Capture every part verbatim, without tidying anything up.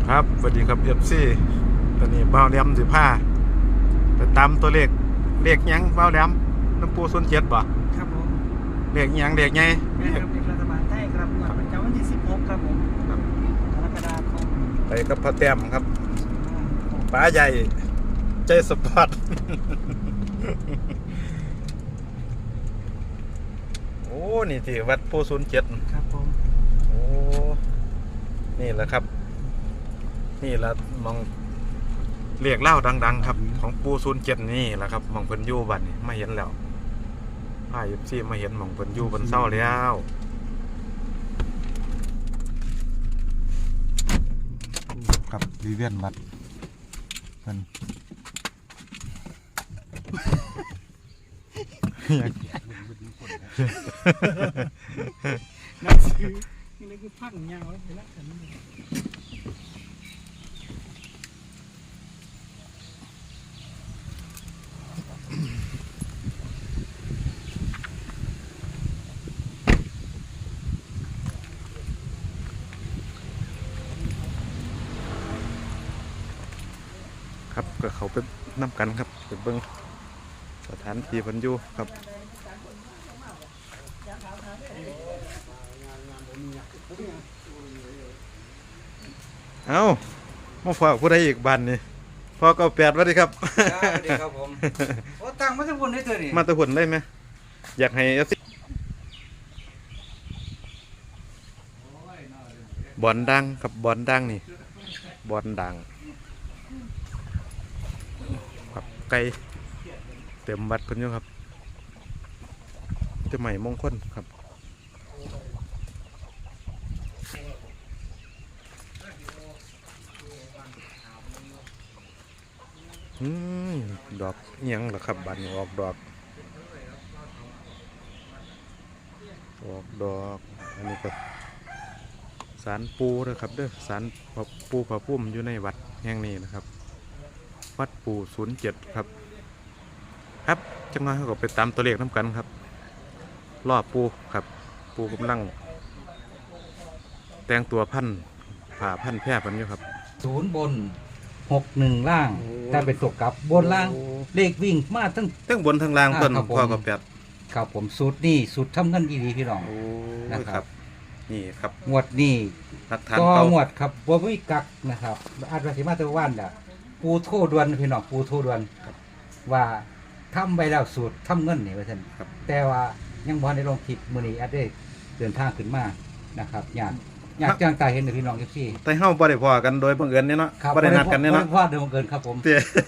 ครับสวัสดีครับเอฟซีตอนนี้เบ้าแหลมสิผ้าไปตามตัวเลขเลขยังเบ้าแหลมน้ำปูส่วนเจ็ดบ่ครับผมเลขยังเลขไงแม่ครับเลขรัฐบาลไทยครับงวดประจำวันที่สิบหกครับผมกรกฎาคมไปกับพ่อแต้มครับป้าใหญ่ใจสปอร์ต โอ้นี่ที่วัดปูส่วนเจ็ดครับผมโอ้นี่แหละครับนี่แหละมองเรียกเล่าดังๆครับของปูศูนย์เจ็ดนี่แหละครับมองเพิ่นยู่บัดนี่มาเห็นแล้วพาเอฟซีมาเห็นมองเพิ่นยู่บนเศร้าแล้วครับวิเวียนวัดเพิ่นนักซื้อนี่คือพังยาวเลยละกันครับก็เขาไปน้ำกันครับไปเบิ้งสถานที่เพิ่นอยู่ครับเอามาฝากผู้ใดอีกบันนี่พ่อเก้าแปดสวัสดีครับสวัสดีครับผมโอ้ตังมาทุกคนได้เถอะนี่มาตะหุ่นได้ไหมอยากให้เอฟซีบอลดังกับบอลดังนี่บอลดังครับไก่เต็มวัดเพิ่นอยู่ครับเจ้าใหม่มงคลครับอืมดอกเอียงเหรอครับบัดนี้ออกดอกออกดอกอันนี้ก็สารปูนะครับเด้อสารปูพระพุ่มอยู่ในวัดแห่งนี้นะครับวัดปูศูนย์เจ็ดครับครับจังหวะเขาก็ไปตามตัวเลขน้ำกันครับรอบปูครับปูกำลังแต่งตัวพันผ่าพันแพร่พันอยู่ครับศูนย์บนหกหนึ่งล่างถ้าเป็นตกกับบนล่างเลขวิ่งมาทั้งทั้งบนทั้งล่างต้นพ่อกับแปดครับผมสูตรนี่สูตรทำเงินดีๆพี่น้องนะครับนี่ครับงวดนี่ก็งวดครับบัววิกักนะครับอาจจะสิมาตะวันอ่ะปูโทดวนพี่น้องปูโทดวนว่าทำไปแล้วสูตรทำเงินนี่ว่าท่านแต่ว่ายังบอลในลงคลิปมือนี้อาจได้เดินทางขึ้นมานะครับอยากอยากจ้างตาเห็นพี่น้องเอฟซีแต่เฮาบ่ได้พอกันโดยบังเอิญเนี่ยเนาะบ่ได้นัดกันเนี่ยเนาะพอโดยบังเอิญครับผม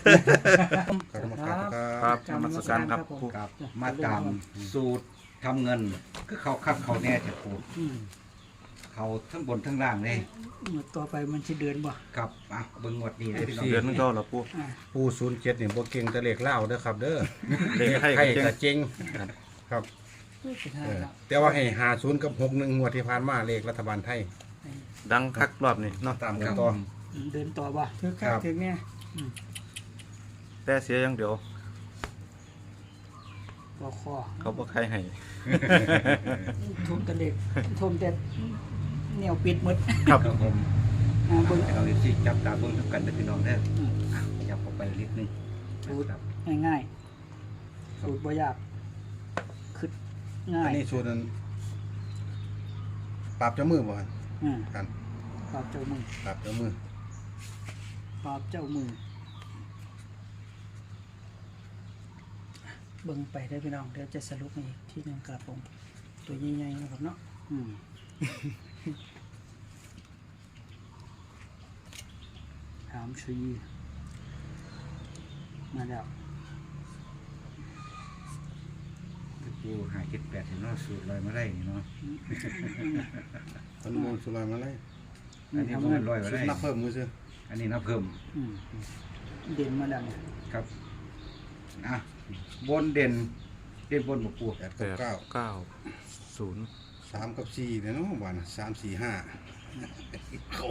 ครับนมัสการครับมาตามสูตรทำเงินคือเขาคัดเขาแน่จะปูเขาทั้งบนทั้งล่างเลยต่อไปมันจะเดือนบ่ครับอ่ะเบิ่งงวดนี้เลยพี่น้องเดือนนึงก็แล้วปูปูศูนย์เจ็ดเนี่ยบ่เก่งแต่เลขเล่าเด้อครับเด้อเลขไทยก็เจงครับแต่ว่าให้หาศูนย์กับหกหนึ่งงวดที่ผ่านมาเลขรัฐบาลไทยดังคักรอบนี้เนาะตามกันต่อเดินต่อบ่ถือคักถือเนี่ยแต่เสียอย่างเดียวก็คอเขาบ่ใครให้ทุ่มแต่เด็กทุ่มแต่เหนียวปิดหมดครับผมเบิ่งเราสิจับตาเบิ่งทุกกันเด้อพี่น้องเด้อจับออกไปนิดนึงสูตรง่ายๆสูตรบ่ยากคือง่ายอันนี้สูตรนั้นปราบเจ้ามือบ่กันปราบเจ้ามือปราบเจ้ามือปราบเจ้ามือเบิ่งไปได้พี่น้องเดี๋ยวจะสรุปอีกที่หนึ่งครับผมตัวใหญ่ๆนะครับเนาะถามชีมาแล้วกูหาเจ็ดแปดเห็นเนาะสูตรลอยมาได้เนาะคนมองสูตรลอยมาได้อันนี้มันลอยมาได้นับเพิ่มมือซื้ออันนี้นับเพิ่มเด่นมาแล้วครับอ่ะบนเด่นเด่นบนบวกปูแปดกับเก้าเก้าศูนย์สามกับสี่เนี่ยเนาะวันสามสี่ห้าเขา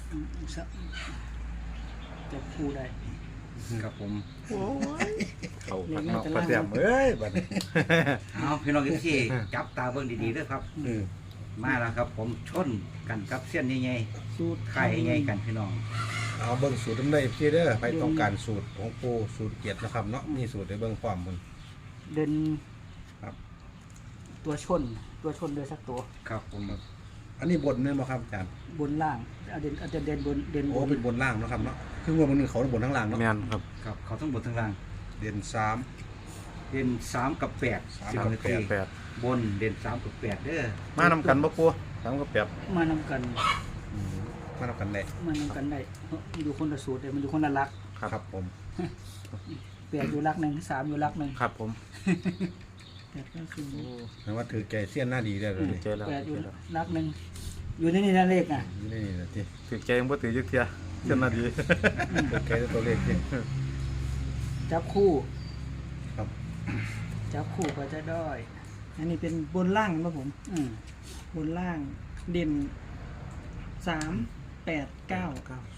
จะพูดได้ครับผมโอ้ยเขาพักนอกประเดี๋ยวเอ้ยบัดนี้เอาพี่น้องที่จับตาเบิ่งดีๆด้วยครับมาแล้วครับ ผมชนกันกับเส้นใหญ่สูตรๆไข่ใหญ่กันพี่น้องเอาเบิ่งสูตรน้ำได้พี่เด้อไปต้องการสูตรของปูสูตรเจ็ดนะครับเนาะมีสูตรในเบิ่งความมันเด่นครับตัวชนตัวชนเลยสักตัวครับผมอันนี้บนเนี่ยมาครับอาจารย์บนล่างเอาเด่นเอาจะเด่นบนเด่นบโอ้นเป็นบนล่างเนาะครับเนาะคือว่ามันเขาบนทั้งล่างเนาะแม่นครับครับเขาทั้งบนทั้งล่างเด่นสามเด่นสามกับแปดสามสิบกับนาแปทีดแปดบนเด่นสามกับแปดเด้อมานำกันบ่ปูสามกับแปดมานำกันมาทำกันได้มานำกันได้เอ้อมันอยู่คนละสูตรเลยมันอยู่คนละลักครับผมแปดอยู่ลักหนึ่งสามอยู่ลักหนึ่งครับผมแปดก็คือแปลว่าถือแกเสี้ยนหน้าดีได้เลยเจแล้วแปดอยู่ลักหนึ่งอยู่ในนี่นั่นเลขอ่ะนี่นี่นะที่ถือใจยังบ่ถือจักเที่ยเจ้าหน้าที่ถือแกตัวเลขที่จับคู่ครับจับคู่ก็จะได้อันนี้เป็นบนล่างครับผมอืมบนล่างเด่นสามแปดเก้า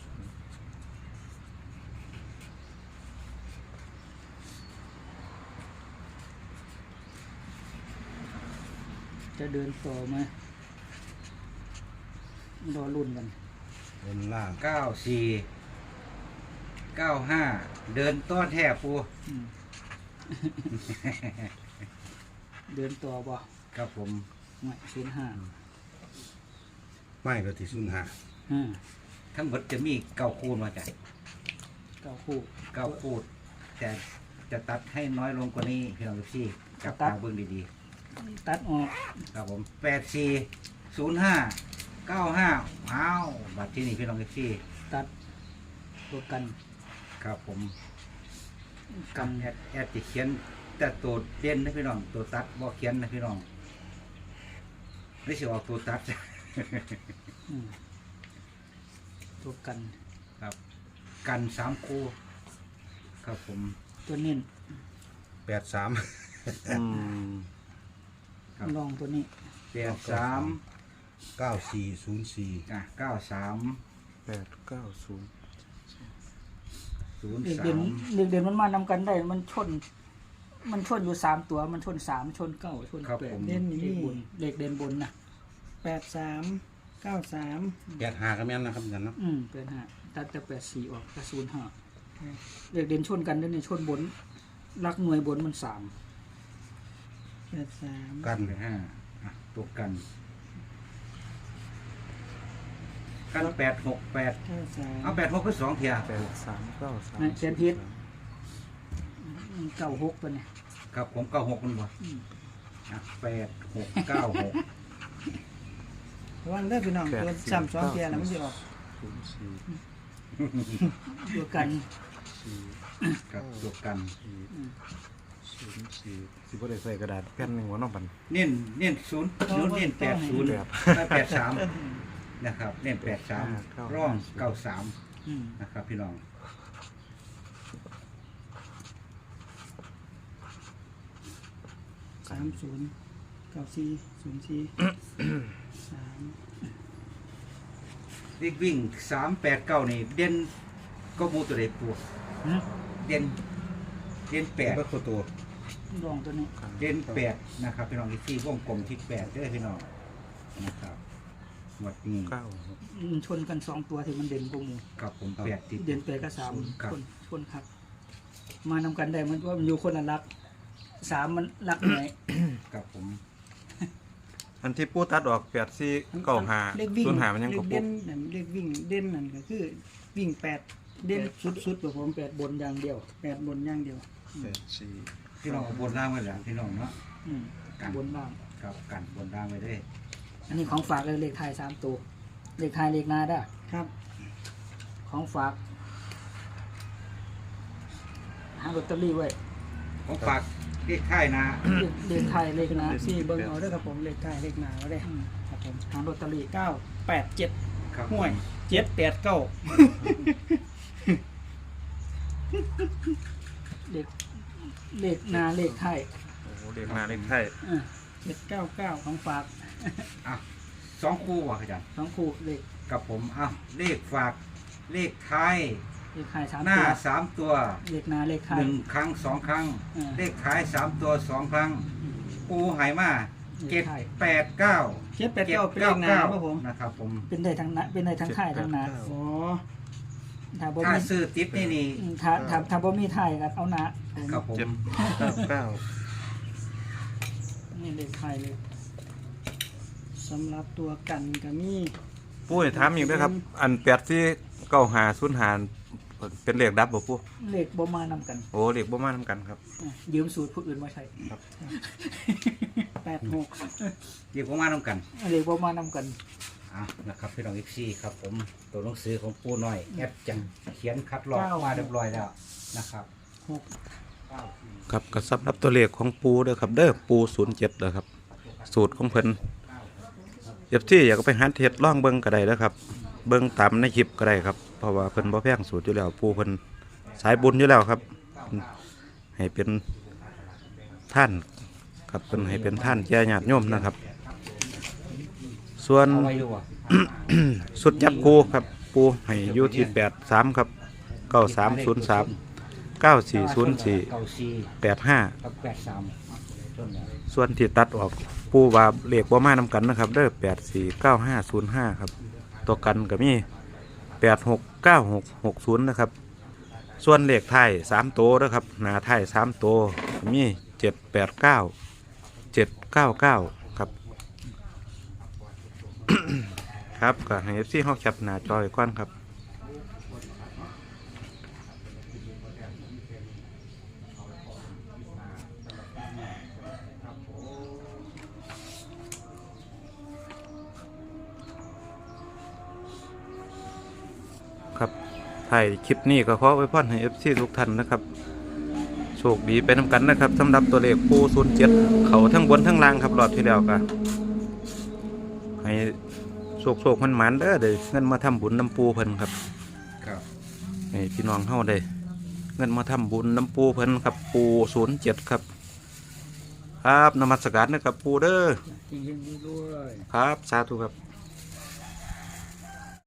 จะเดินต่อไหมรอรุ่นกันบนล่างเก้าสี่เก้าห้าเดินต้อนแทบปูอืม เดินต่อบ่ครับผมไม่ศูนย์ห้าไม่ก็ที่ศูนย์ห้าห้าทั้งหมดจะมีเก้าคูณมาจากเก้าคู่เก้าคูณแต่จะตัดให้น้อยลงกว่านี้พี่น้องพี่จับตาเบิ่งดีตัดออกๆครับผมแปดสี่ศูนย์ห้าเก้าห้าอ้าวบัตรที่นี่พี่น้องพี่ตัดตัวกันครับผมกันแอดแอดจะเขียนแต่ตัวเด่นนะพี่น้องตัวตัดบ่เขียนนะพี่น้องไม่ใช่ออกตัวตัดอืมตัวกันครับ กันสามคู่ครับผมตัวเน้นแปดสามอืมครับลองตัวนี้แปดสามเก้าสี่ศูนย์สี่อ่ะเก้าสามแปดเก้าศูนย์ศูนย์เด็กสาเด่นมเด็กเด่นมันมานำกันได้ มันชน มันชนอยู่สามตัว มันชนสามชนเก้าชนแปดเด่นอยู่เด็กนี่บนเด็กเด่นบนนะแปดสามเก้าสามแปดห้าก็แม่นนะครับอาจารย์เนาะอืมเป็นห้าตัดแต่แปดสี่ออกก็ศูนย์ห้าเด็กเด่นชนกันได้ในชนบนรักหน่วยบนมันสามแปดสามกันไปห้าอ่ะตัวกัน กันแปดหกแปดเก้าสามเอาแปดหกคือสองเทียแปดสามเก้าสามเขียนผิดเก้าหกตัวเนี่ยครับผมเก้าหกมันบ่อืมอ่ะแปดหกเก้าหกระวังเด้อพี่น้องตัวสามสองเทียแล้วมันจะออกศูนย์สี่ตัวกันสี่ครับตัวกันสี่ศูนย์สี่สิบ่ได้ใส่กระดาษแผ่นหนึงว่าน้องปันเน้นเน้นศูนย์ศูนย์เน้นแปดศูนย์แปดแปดสามนะครับเน้นแปดสามเก้าร่องเก้าสามอืมนะครับพี่น้องสามศูนย์เก้าสี่ศูนย์สี่สามวิ่งวิ่งสามแปดเก้านี่เด่นก็มูตัวเด็กปูหืมเด่นเด่นแปดแปดก็ตัวลองตัวนี้เด่นแปดนะครับพี่น้องที่วงกลมที่แปดเด้อพี่น้องนะครับหมดนี้เก้ามันชนกันสองตัวที่มันเด่นพวกมูครับผมแปดติดเด่นแปดกับสามครับชนชนครับ มานำกันได้มันว่ามันอยู่คนละลักสามมันลักหน่วยครับผมอันที่ปูตัดออกแปดสี่เก้าห้าเลขวิ่งศูนย์ห้ามันยังเลกขบเด่นนั่นเลขวิ่งเด่นนั่นก็คือวิ่งแปดเด่นสุดๆแบบผมแปดบนอย่างเดียวแปดบนอย่างเดียวแปดสี่พี่น้องเอาบนล่างไว้แล้วพี่น้องเนาะอืมกันบนล่างครับกันบนล่างไว้ได้อันนี้ของฝากเลยเลขไทายสามตัวเลขไทายเลขนาได้อครับของฝากหาลอตเตอรี่ไว้ผมฝากเลขค่ายนะเลขเลขไทายเลขนาสี่เบิ้งเอาเด้วยครับผมเลขท้ายเลขหน้าเอาได้อืมครับผมหาลอตเตอรี่เก้าแปดเจ็ดครับห่วยเจ็ดแปดเก้าเลขเลขนาเลขไทายโอ้โหเลขหน้าเลขไทยอ่ะเจ็ดเก้าเก้าของฝากอ่ะสองคู่ว่ะอาจารย์สองคู่เลขกับผมอ้าวเลขฝากเลขท้ายเลขไทายสามหน้าตัวสามตัวเลขนาเลขไทาหยนึ่งครั้งสองครั้งอ่าเลขท้ายสามตัวสองครั้งปูหายมาเจ็ดแปดเก้าเจ็ดแปดเก้าเป็นเลขหนาครับผมนะครับผมเป็นได้ทั้งหนะเป็นได้ทั้งท้ายทั้งหนาอ๋อถ้าบ่ถ้ามีซื้อติดนี่นี่อืมถ้าถ้าถ้าบ่มีท้ายก็เอาหนาครับผมเจ็ดเก้าเก้านี่เลขไทยเลยสำหรับตัวกันก็มีปูนี่ถามอีกด้วยครับ อันแปดที่เก้าหาศูนย์หาเป็นเลขดับบ่ปูเลขบ่มานำกันโอ้เลขบ่มานํกันครับอ่ะยืมสูตรผู้อื่นมาใช้แปดหกเดี๋ยวผมมาต้องกันเลขบ่มานำกันอ่ะนะครับพี่น้องอีกซี่ครับผมตัวหนังสือของปูน้อยแอดจังเขียนคัดลอกมาเรียบร้อยแล้วนะครับครับก็สำหรับตัวเลขของปูเด้อครับเด้อปูศูนย์เจ็ดเด้อครับ สูตรของเพิ่นเอฟที่อยากไปหาเฮ็ดล่องเบิ่งก็ได้เด้อครับ เบิ่งตามในคลิปก็ได้ครับเพราะว่าเพิ่นบ่แพงสูตรอยู่แล้วปูเพิ่นสายบุญอยู่แล้วครับ ให้เป็นท่านครับเพิ่นให้เป็นท่านแก่ญาติโยมนะครับ ส่วนเอาไว้อยู่อ่ะสุดจับคูครับปูให้อยู่ที่แปดสามครับเก้าสามศูนย์สามเก้าสี่ศูนย์สี่เก้าสี่แปดห้ากับแปดสามต้นเนี่ยส่วนที่ตัดออกปูว่าเลขบ่มานำกันนะครับเด้อแปดสี่เก้าห้าศูนย์ห้าครับตัวกันก็มีแปดหกเก้าหกหกศูนย์นะครับ ส่วนเลขไทายสามตัวนะครับหน้าไทายสามตัวก็มีเจ็ดแปดเก้าเจ็ดเก้าเก้าครับ ครับก็ให้เอฟซีเขาแคปหน้าจอยก่อนครับครับถ่ายคลิปนี้ก็ขอไว้พรให้เอฟซีทุกท่านนะครับโชคดีไปนำกันนะครับสำหรับตัวเลขปูศูนย์เจ็ดเขาทั้งบนทั้งล่างครับรอบที่แล้วก็ให้โชคโชคมันหมันๆเด้อเด้เงินมาทำบุญน้ำปูเพิ่นครับครับให้พี่น้องเฮาได้เงินมาทำบุญน้ำปูเพิ่นครับปูศูนย์เจ็ดครับครับนมัสการนะครับปูเด้อจริงๆด้วยครับสาธุครับ